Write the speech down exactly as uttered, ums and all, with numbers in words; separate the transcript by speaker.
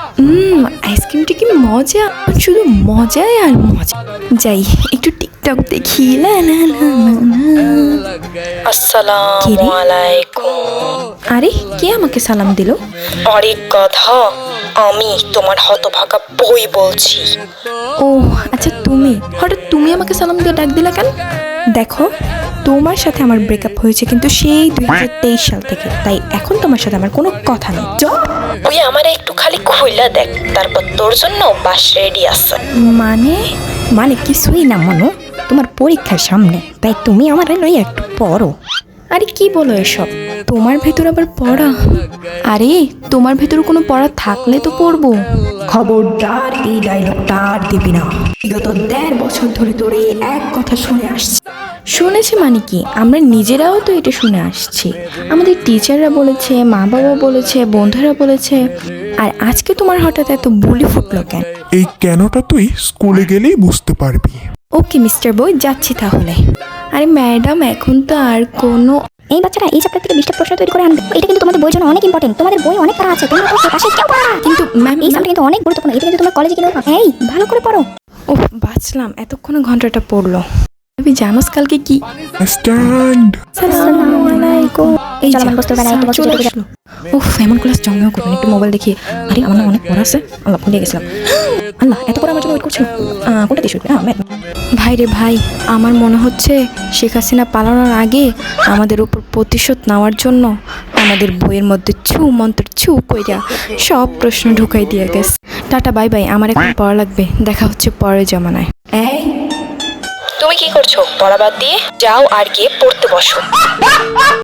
Speaker 1: হুম আইসক্রিমটা কি মজা, শুধু মজাই আর মজা। যাই একটু টিকটক দেখি। লা লা লা আসসালামু আলাইকুম। আরে কে আমাকে সালাম দিল?
Speaker 2: আরে কথা, আমি তোমার হতভাগা বই বলছি।
Speaker 1: ও আচ্ছা তুমি, হঠাৎ তুমি আমাকে সালাম দিয়ে ডাক দিলা কেন? দেখো তোমার সাথে আমার ব্রেকআপ হয়েছে কিন্তু সেই দুই হাজার তেইশ সাল থেকে, তাই এখন তোমার সাথে আমার কোনো কথা নেই।
Speaker 2: তুই আমার একটু খালি খুইলা দেখ, তারপর তোর জন্য বাস রেডি আছে।
Speaker 1: মানে
Speaker 3: মানে কিছুই না মনু, তোমার পরীক্ষার সামনে, তাই তুমি আমার লই একটু পড়ো।
Speaker 1: আরে কি বলো এসব? তোমার ভেতর আবার পড়া? আরে তোমার ভেতর কোনো পড়া থাকলে তো পড়বো। খবরদার এই ডায়লগটা আর দিবি না। বিগত দেড় বছর ধরে তোর এই এক কথা শুনে আসছি। শুনেছি মানে কি, আমরা নিজেরাও তো এটা শুনে আসছি। আমাদের টিচাররা বলেছে, মা বাবা বলেছে, বন্ধুরা বলেছে। আর আজকে তোমার হঠাৎ এত বুলি ফুটলো কেন?
Speaker 4: এই কেনটা তুই স্কুলে গেলেই বুঝতে পারবি।
Speaker 1: ওকে মিস্টার বই, যাচ্ছি তাহলে। আরে ম্যাডাম এখন তো আর কোনো
Speaker 3: এই বাচ্চারা এই চ্যাপ্টার থেকে বিশটা প্রশ্ন তৈরি করে আনবে, এটা কিন্তু তোমাদের বইয়ের জন্য অনেক ইম্পর্টেন্ট। তোমাদের বই অনেক পড়া আছে, তোমরা তো পাশে কেউ পড়া না।
Speaker 1: কিন্তু ম্যাম
Speaker 3: এই সামটা কিন্তু অনেক গুরুত্বপূর্ণ, এটা কিন্তু তোমার কলেজে কিন্তু এই ভালো করে পড়ো।
Speaker 1: ও বাঁচলাম, এতক্ষণে ঘন্টাটা পড়লো। তুমি জানোস কালকে কি?
Speaker 4: স্ট্যান্ড।
Speaker 1: আসসালামু আলাইকুম। এই
Speaker 3: চলো
Speaker 1: যা,
Speaker 3: আমার বসতে বেড়াই, একটু বসতে
Speaker 1: চলে
Speaker 3: চলে
Speaker 1: আসলো। উফ এমন ক্লাস জমেও করবেন, একটু মোবাইল দেখি। আরে আমার না অনেক পড়া আছে, আল্লাহ ভুলে গেছিলাম। আল্লাহ এত পড়া আমার জন্য ওয়েট করছিল। আহ, কোনটা দিয়ে শুরু করি? হ্যাঁ ম্যাম। ভাই রে ভাই, আমার মনে হচ্ছে শেখ হাসিনা পালানোর আগে আমাদের উপর প্রতিশোধ নেওয়ার জন্য আমাদের বইয়ের মধ্যে ছু মন্ত্র ছু কইরা সব প্রশ্ন ঢুকাই দিয়ে গেছে। টাটা বাই বাই, আমার এখন পড়া লাগবে, দেখা হচ্ছে পরের জমানায়। এই
Speaker 2: তুমি কি করছো? পড়া বাদ দিয়ে যাও আর গিয়ে পড়তে বসো।